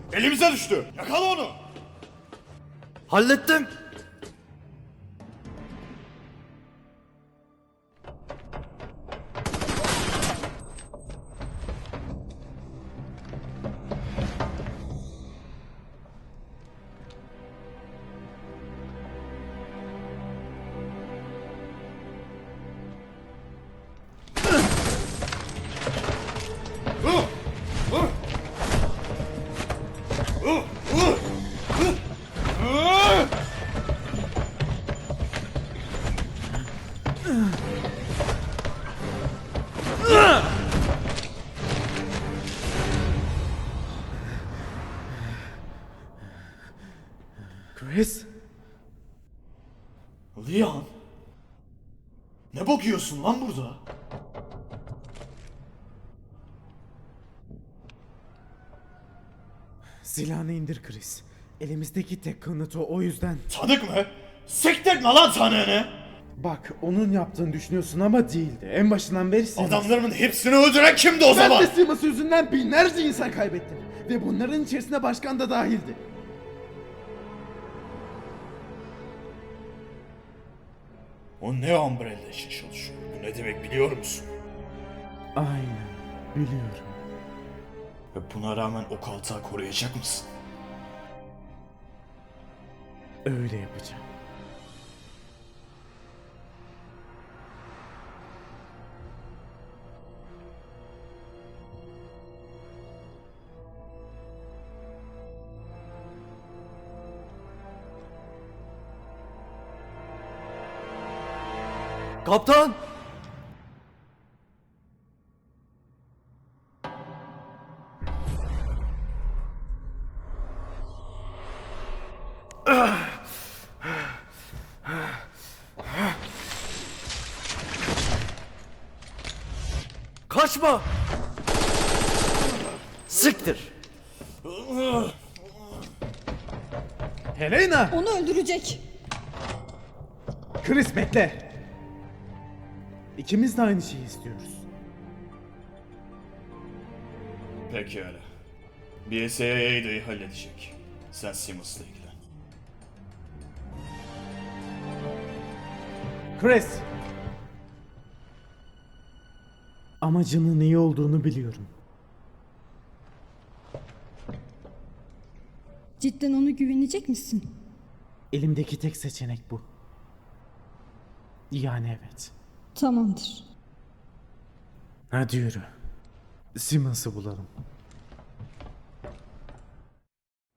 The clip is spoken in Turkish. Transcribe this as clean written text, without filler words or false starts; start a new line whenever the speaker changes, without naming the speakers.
Elimize düştü. Yakala onu.
Hallettim.
Chris?
Leon. Ne bakıyorsun lan burada?
Silahını indir Chris. Elimizdeki tek kanıt o yüzden.
Tanık mı? Siktirtme lan tanığını.
Bak onun yaptığını düşünüyorsun ama değildi. En başından beri Simmons.
Adamlarımın hepsini öldüren kimdi o
Ben
zaman?
de Simmons yüzünden binlerce insan kaybettim. Ve bunların içerisine başkan da dahildi.
O ne Umbrella için çalışıyor? Bu ne demek biliyor musun?
Aynen. Biliyorum.
Ve buna rağmen o kaltağı koruyacak mısın?
Öyle yapacağım.
Kaptan. Kaçma. Siktir.
Helena!
Onu öldürecek.
Chris bekle. İkimiz de aynı şeyi istiyoruz.
Pekala. BSAA A'yı halledecek. Sen Simmons'la ilgilen.
Chris! Amacının iyi olduğunu biliyorum.
Cidden ona güvenecek misin?
Elimdeki tek seçenek bu. Yani evet.
Tamamdır.
Hadi yürü. Simmons'ı bulalım.